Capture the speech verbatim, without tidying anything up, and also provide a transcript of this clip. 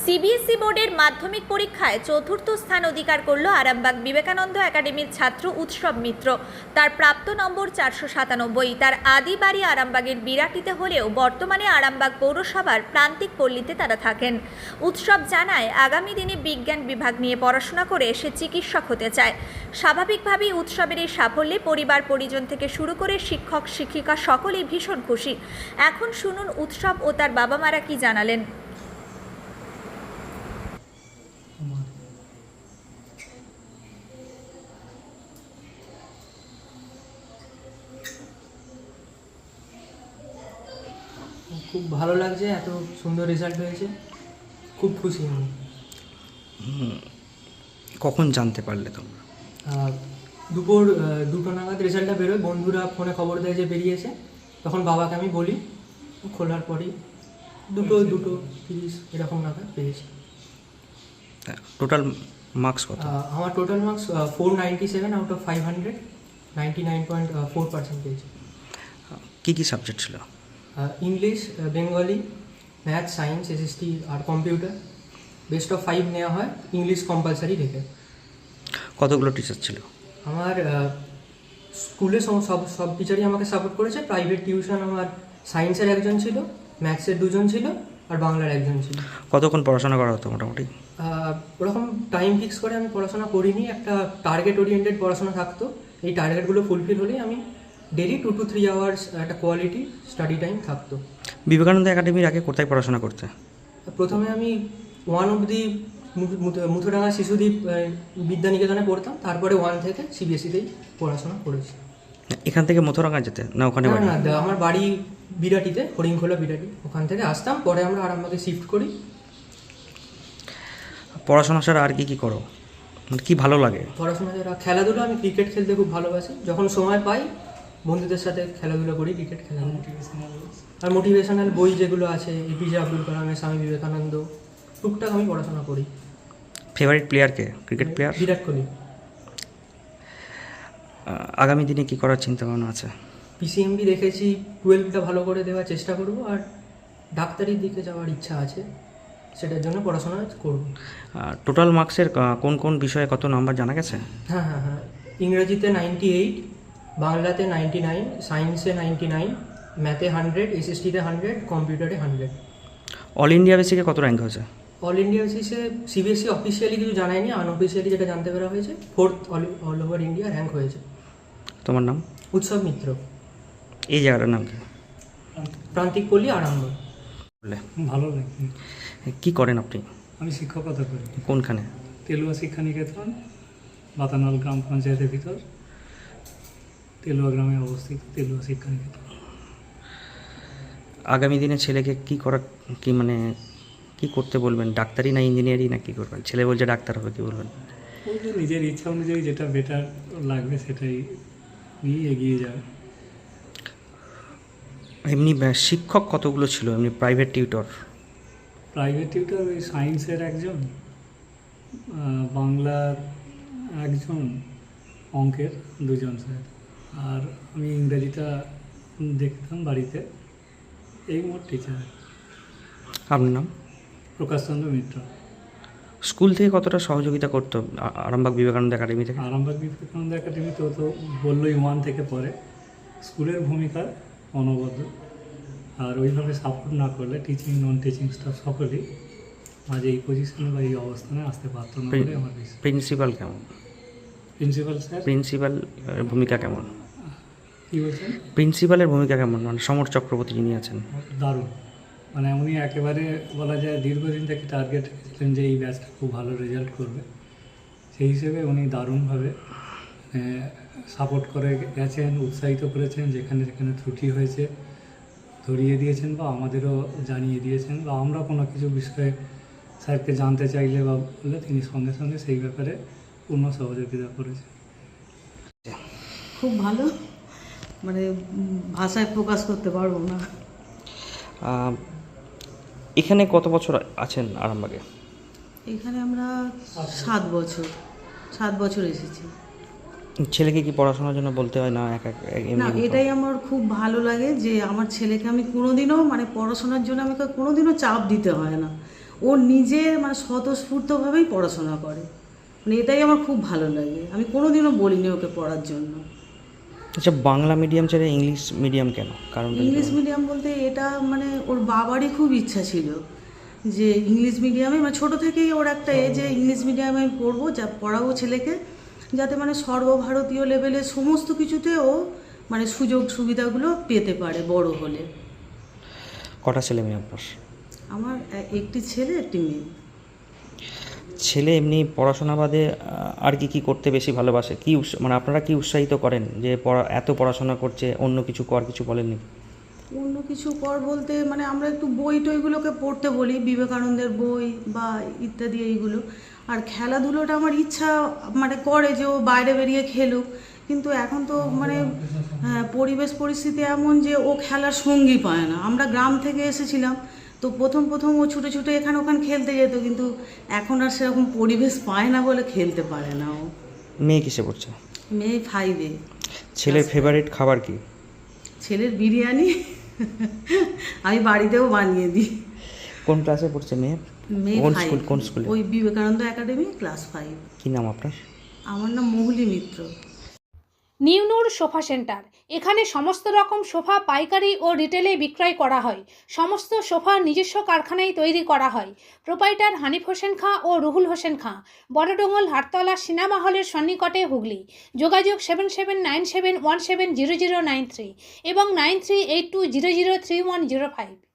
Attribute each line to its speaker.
Speaker 1: CBSE বোর্ডের মাধ্যমিক পরীক্ষায় চতুর্থ স্থান অধিকার করল আরামবাগ বিবেকানন্দ একাডেমির ছাত্র উৎসব মিত্র। তার প্রাপ্ত নম্বর চারশো সাতানব্বই। তার আদি বাড়ি আরামবাগের বিরাটিতে হলেও বর্তমানে আরামবাগ পৌরসভার প্রান্তিক পল্লীতে তারা থাকেন। উৎসব জানায়, আগামী দিনে বিজ্ঞান বিভাগ নিয়ে পড়াশোনা করে সে চিকিৎসক হতে চায়। স্বাভাবিকভাবেই উৎসবের এই সাফল্যে পরিবার পরিজন থেকে শুরু করে শিক্ষক শিক্ষিকা সকলেই ভীষণ খুশি। এখন শুনুন উৎসব ও তার বাবা মারা কি জানালেন।
Speaker 2: খুব ভালো লাগছে, এত সুন্দর রেজাল্ট হয়েছে, খুব খুশি আমি।
Speaker 3: কখন জানতে পারলে তোমরা?
Speaker 2: দুপুর দুটো নাগাদ রেজাল্টটা বেরোয়, বন্ধুরা ফোনে খবর দেয় যে বেরিয়েছে, তখন বাবাকে আমি বলি, খোলার পরেই দুটো দুটো তিরিশ এরকম নাগাদ পেয়েছি।
Speaker 3: টোটাল মার্কস কত?
Speaker 2: আমার total marks four ninety seven out of five hundred, ninety nine point four percent পেয়েছি।
Speaker 3: কী কী সাবজেক্ট ছিল?
Speaker 2: English, Bengali, math, science, SST আর কম্পিউটার। বেস্ট অফ ফাইভ নেওয়া হয় ইংলিশ কম্পালসারি রেখে।
Speaker 3: কতগুলো টিচার ছিল?
Speaker 2: আমার স্কুলে সব সব টিচারই আমাকে সাপোর্ট করেছে। প্রাইভেট টিউশন আমার সায়েন্সের একজন ছিল, ম্যাথসের দুজন ছিল আর বাংলার একজন ছিল।
Speaker 3: কতক্ষণ পড়াশোনা করা হতো মোটামুটি?
Speaker 2: ওরকম টাইম ফিক্স করে আমি পড়াশোনা করিনি, একটা টার্গেট ওরিয়েন্টেড পড়াশোনা থাকতো। এই টার্গেটগুলো ফুলফিল হলেই আমি daily two two three hours একটা কোয়ালিটি স্টাডি টাইম থাকতো।
Speaker 3: বিবেকানন্দ একাডেমির আগে কোথায় পড়াশোনা করতে?
Speaker 2: প্রথমে আমি ওয়ান অবধি মুথুডাঙ্গা শিশুদ্বীপ বিদ্যানিকেতনে পড়তাম, তারপরে ওয়ান থেকে সিবিএসইতেই পড়াশোনা করেছি।
Speaker 3: এখান থেকে মথুরাঙ্গা যেতে না ওখানে?
Speaker 2: না না, আমার বাড়ি বিরাটিতে, হরিংখোলা বিরাটি, ওখান থেকে আসতাম, পরে আমরা আরামবাগে শিফট করি।
Speaker 3: পড়াশোনা ছাড়া আর কি কি করো, কি ভালো লাগে?
Speaker 2: পড়াশোনা ছাড়া খেলাধুলা, আমি ক্রিকেট খেলতে খুব ভালোবাসি। যখন সময় পাই বন্ধুদের সাথে খেলাধুলা করি, ক্রিকেট খেলা। আর মোটিভেশনাল বই যেগুলো আছে, এপিজে আব্দুল কালামের, স্বামী বিবেকানন্দ, টুকটাক আমি পড়াশোনা করি।
Speaker 3: ফেভারিট প্লেয়ার কে? Cricket player
Speaker 2: Virat Kohli.
Speaker 3: আগামী দিনে কি করার চিন্তা ভাবনা আছে?
Speaker 2: পিসিএমবি দেখেছি, টুয়েলভটা ভালো করে দেওয়ার চেষ্টা করব, আর ডাক্তারির দিকে যাওয়ার ইচ্ছা আছে, সেটার জন্য পড়াশোনা করব।
Speaker 3: টোটাল মার্কসের কোন কোন বিষয়ে কত নাম্বার জানা গেছে?
Speaker 2: হ্যাঁ হ্যাঁ হ্যাঁ ইংরেজিতে নাইনটি এইট, বাংলাতে নাইনটি নাইন, সায়েন্সে নাইনটি নাইন, ম্যাথে হান্ড্রেড, এসএসটিতে হান্ড্রেড, কম্পিউটারে হান্ড্রেড।
Speaker 3: অল ইন্ডিয়া বেসিকে কত র্যাঙ্ক হয়েছে?
Speaker 2: অল ইন্ডিয়া বেসিসে সিবিএসই অফিসিয়ালি কিছু জানায়নি, আনঅফিসিয়ালি যেটা জানতে পারা হয়েছে, fourth all all over India rank হয়েছে।
Speaker 3: তোমার নাম?
Speaker 2: উৎসব মিত্র।
Speaker 3: এই জায়গাটার নাম কি?
Speaker 2: প্রান্তিক পল্লী, আরামবাগ।
Speaker 4: ভালো লাগে।
Speaker 3: কি করেন আপনি?
Speaker 4: আমি শিক্ষকতা করি।
Speaker 3: কোনখানে?
Speaker 4: তেলুয়া শিক্ষা নিকেতন, বাতানল গ্রাম পঞ্চায়েতের ভিতর, তেলুয়া গ্রামে অবস্থিত তেলুয়া শিক্ষা নিকেতন।
Speaker 3: আগামী দিনে ছেলেকে কি করা, কি মানে কি করতে বলবেন? ডাক্তারি না ইঞ্জিনিয়ারিং না কি করবেন? ছেলে বলছে ডাক্তার হবে, কি বলবেন?
Speaker 4: ওই যে নিজের ইচ্ছা অনুযায়ী যেটা বেটার লাগবে সেটাই নিয়ে এগিয়ে যাবে।
Speaker 3: এমনি শিক্ষক কতগুলো ছিল এমনি প্রাইভেট টিউটর?
Speaker 4: প্রাইভেট টিউটর ওই সায়েন্সের একজন, বাংলার একজন, অঙ্কের দুজন স্যার, আর আমি ইংরেজিটা দেখতাম বাড়িতে। এই মোট টিচার।
Speaker 3: আপনার নাম?
Speaker 4: প্রকাশচন্দ্র মিত্র।
Speaker 3: স্কুল থেকে কতটা সহযোগিতা করতো আরামবাগ বিবেকানন্দ একাডেমি থেকে?
Speaker 4: আরামবাগ বিবেকানন্দ একাডেমি তো তো বললোই ওয়ান থেকে পরে স্কুলের ভূমিকা অনবদ্য, আর ওইভাবে সাপোর্ট না করলে টিচিং নন টিচিং স্টাফ সকলেই আজ এই পজিশনে বা এই অবস্থানে আসতে পারত না বলে আমার বিশ্বাস।
Speaker 3: প্রিন্সিপাল কেমন?
Speaker 4: Principal sir?
Speaker 3: প্রিন্সিপাল ভূমিকা কেমন?
Speaker 4: কী বলছেন?
Speaker 3: প্রিন্সিপালের ভূমিকা কেমন, মানে সমর চক্রবর্তী যিনি আছেন?
Speaker 4: দারুণ, মানে উনি একেবারে বলা যায় দীর্ঘদিন থেকে টার্গেট রেখেছিলেন যে এই ব্যাচটা খুব ভালো রেজাল্ট করবে, সেই হিসেবে উনি দারুণভাবে সাপোর্ট করে গেছেন, উৎসাহিত করেছেন, যেখানে যেখানে ত্রুটি হয়েছে ধরিয়ে দিয়েছেন বা আমাদেরও জানিয়ে দিয়েছেন, বা আমরা কোনো কিছু বিষয়ে স্যারকে জানতে চাইলে বা বললে তিনি সঙ্গে সঙ্গে সেই ব্যাপারে পূর্ণ সহযোগিতা করেছেন।
Speaker 5: খুব ভালো, মানে ভাষায় প্রকাশ করতে পারবো না।
Speaker 3: এখানে কত বছর আছেন আরামবাগে?
Speaker 5: এখানে আমরা সাত বছর সাত বছর এসেছি।
Speaker 3: ছেলেকে কি পড়াশোনার জন্য বলতে হয় না? এক এক
Speaker 5: না, এটাই আমার খুব ভালো লাগে যে আমার ছেলেকে আমি কোনোদিনও মানে পড়াশোনার জন্য আমাকে কোনোদিনও চাপ দিতে হয় না। ও নিজে মানে স্বতঃস্ফূর্তভাবেই পড়াশোনা করে, মানে এটাই আমার খুব ভালো লাগে। আমি কোনোদিনও বলিনি ওকে পড়ার জন্য।
Speaker 3: আচ্ছা, বাংলা মিডিয়াম ছেড়ে ইংলিশ মিডিয়াম কেন? কারণ
Speaker 5: ইংলিশ মিডিয়াম বলতে এটা মানে ওর বাবারই খুব ইচ্ছা ছিল যে ইংলিশ মিডিয়ামে, মানে ছোটো থেকেই ওর একটা এ যে ইংলিশ মিডিয়ামে আমি পড়বো, যা পড়াবো ছেলেকে, যাতে মানে সর্বভারতীয় লেভেলে সমস্ত কিছুতে ও মানে সুযোগ সুবিধাগুলো পেতে পারে বড় হলে।
Speaker 3: কটা ছেলে মেয়ে আপনার?
Speaker 5: আমার এ- একটি ছেলে একটি মেয়ে।
Speaker 3: ছেলে এমনি পড়াশোনা বাদে আহ, আর কি কি করতে বেশি ভালোবাসে? কি উৎস- মানে আপনারা কি উৎসাহিত করেন যে পড়া এত পড়াশোনা করছে, অন্য কিছু কর, কিছু বলেননি?
Speaker 5: অন্য কিছু কর বলতে মানে আমরা একটু বই টইগুলোকে পড়তে বলি, বিবেকানন্দের বই বা ইত্যাদি এইগুলো। আর খেলাধুলোটা আমার ইচ্ছা মানে করে যে ও বাইরে বেরিয়ে খেলুক, কিন্তু এখন তো মানে হ্যাঁ, পরিবেশ পরিস্থিতি এমন যে ও খেলার সঙ্গী পায় না। আমরা গ্রাম থেকে এসেছিলাম, তো প্রথম প্রথম ও ছুটে ছুটে এখানে ওখানে খেলতে যেত, কিন্তু এখন আর সেরকম পরিবেশ পায় না বলে খেলতে পারে না ও।
Speaker 3: মেয়ে কিসে পড়ছে?
Speaker 5: মেয়ে ফাইভে।
Speaker 3: ছেলের ফেভারিট খাবার কি?
Speaker 5: ছেলের বিরিয়ানি আমি বাড়িতেও বানিয়ে দিই।
Speaker 3: কোন ক্লাসে পড়ছে মেয়ে?
Speaker 5: মেয়ে
Speaker 3: কোন
Speaker 5: ফাইভ।
Speaker 3: স্কুল? কোন স্কুলে?
Speaker 5: ওই বিবেকানন্দ একাডেমি ক্লাস ফাইভ।
Speaker 3: কি নাম আপনার?
Speaker 5: আমার নাম Mohuli Mitra.
Speaker 6: New Noor sofa centre, এখানে সমস্ত রকম সোফা পাইকারি ও রিটেলে বিক্রয় করা হয়। সমস্ত সোফা নিজস্ব কারখানায় তৈরি করা হয়। প্রোপাইটার হানিফ হোসেন খাঁ ও রুহুল হোসেন খাঁ, বড়ডোঙ্গল হাটতলা সিনেমা হলের সন্নিকটে, হুগলি। যোগাযোগ seven seven nine seven one seven zero zero nine three এবং nine three eight two zero zero three one zero five.